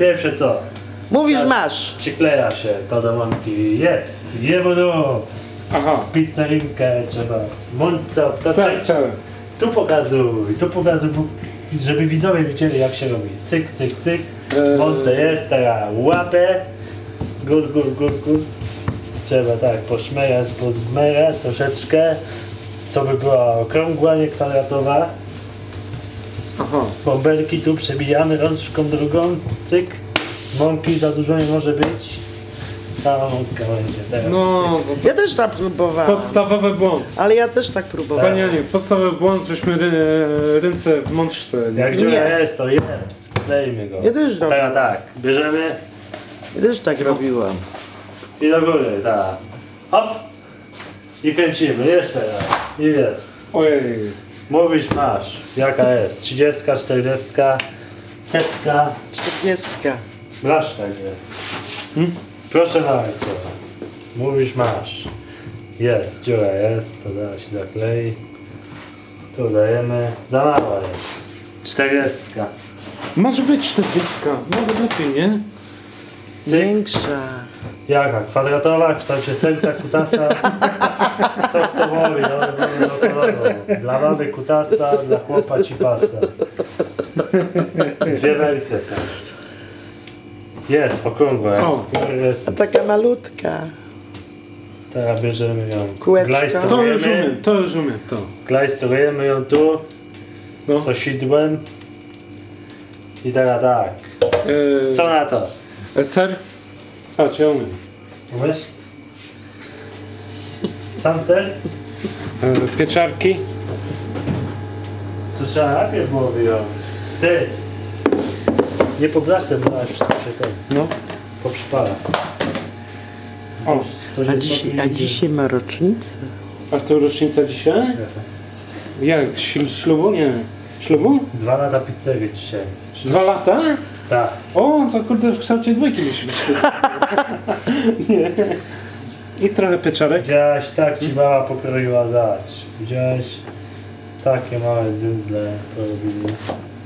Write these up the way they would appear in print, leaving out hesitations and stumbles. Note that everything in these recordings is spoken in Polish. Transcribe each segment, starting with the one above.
pierwsze co? Mówisz Tak. masz. Przykleja się to do mąki. Jest, jebo do. Aha. Pizzerinkę trzeba mące obtoczyć. Tak. Tu pokazuj, żeby widzowie widzieli jak się robi. Cyk, cyk, cyk. Mące jest, teraz łapę. Gór. Trzeba tak poszmerać, pozmerać troszeczkę. Co by była okrągła, nie kwadratowa. Aha. Bąbelki tu przebijamy rączką drugą. Cyk. Mąki za dużo nie może być. Cała mąka będzie teraz. No, cyk. Ja też tak próbowałam. podstawowy błąd. Ale ja też tak próbowałam. Panie Aniu, podstawowy błąd, żeśmy ręce w mączce. Jak Nie. dziura jest, to jest. Sklejmy go. Ja też robię. Teraz tak, bierzemy Ja też tak robiłam. i do góry, tak. Hop. I kręcimy, jeszcze raz. I jest. Ojej. Mówisz masz. Jaka jest? 30, 40, setka. 40. Masz tak jest. Proszę bardzo. Mówisz masz. Jest, dziura jest, to zaraz się zaklei. Tu dajemy. Za mała jest. 40. Może być 40. Może lepiej, nie? Większa. Jaka? Kwadratowa? W kształcie serca, kutasa? Co kto woli? No koloru. Dla baby kutasa, dla chłopa cipasa. Dwie wersje są. Jest, okrągła jest. O. Jest. A taka malutka. Teraz bierzemy ją. Kółeczko. To już umiem, to. Glajstrujemy ją tu, No. sosidłem. I teraz tak. Co na to? Ser? A, czy ja umiem? Umiesz? Sam ser? Pieczarki? To trzeba najpierw było wyjąć. Ty! Nie po blaszce, bo aż wszystko się ten No. poprzypala. O, A dzisiaj ma rocznicę. a to rocznica dzisiaj? Jak? Ślubu? Nie. Ślubu? 2 lata pizzerii dzisiaj. 2 lata? Tak. O, to kurde w kształcie dwójki musi być. Nie. I trochę pieczarek. Widziałaś, tak ci mama pokroiła dać. Widziałaś? Takie małe dzyndzle porobili.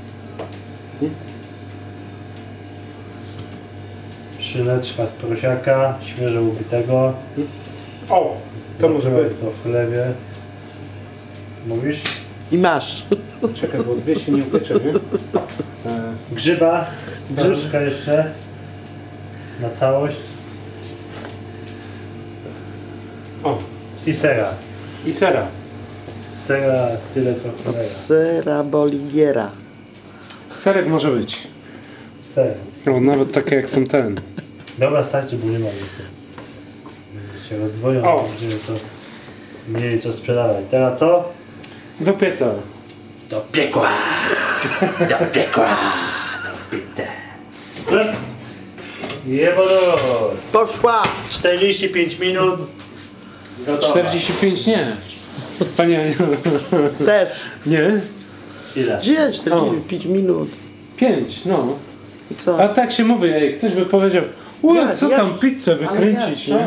Szyneczka z prosiaka, świeżo ubitego. O, to może być. Co w chlewie. Mówisz? I masz. Czekaj, bo dwie się nie upiecze, nie? Grzyba, troszkę jeszcze. Na całość. O, I sera. i sera. Sera tyle co Od cholera. sera Boligiera. Serek może być. Ser. O, nawet takie jak są ten. Dobra, starczy, bo nie ma więcej. Się rozdwoją, O. będziemy to mieli co sprzedawać. Teraz co? Do pieca. Do piekła! Do piekła! Do pite! Jebolo! Poszła! 45 minut. Gotowa. 45 nie. Panie Aniu. Też. Nie? Ile? Gdzie? 45 minut. 5, no. I co? A tak się mówi, ej, ktoś by powiedział, Ja- co ja- tam pizzę wykręcić, ale ja- nie?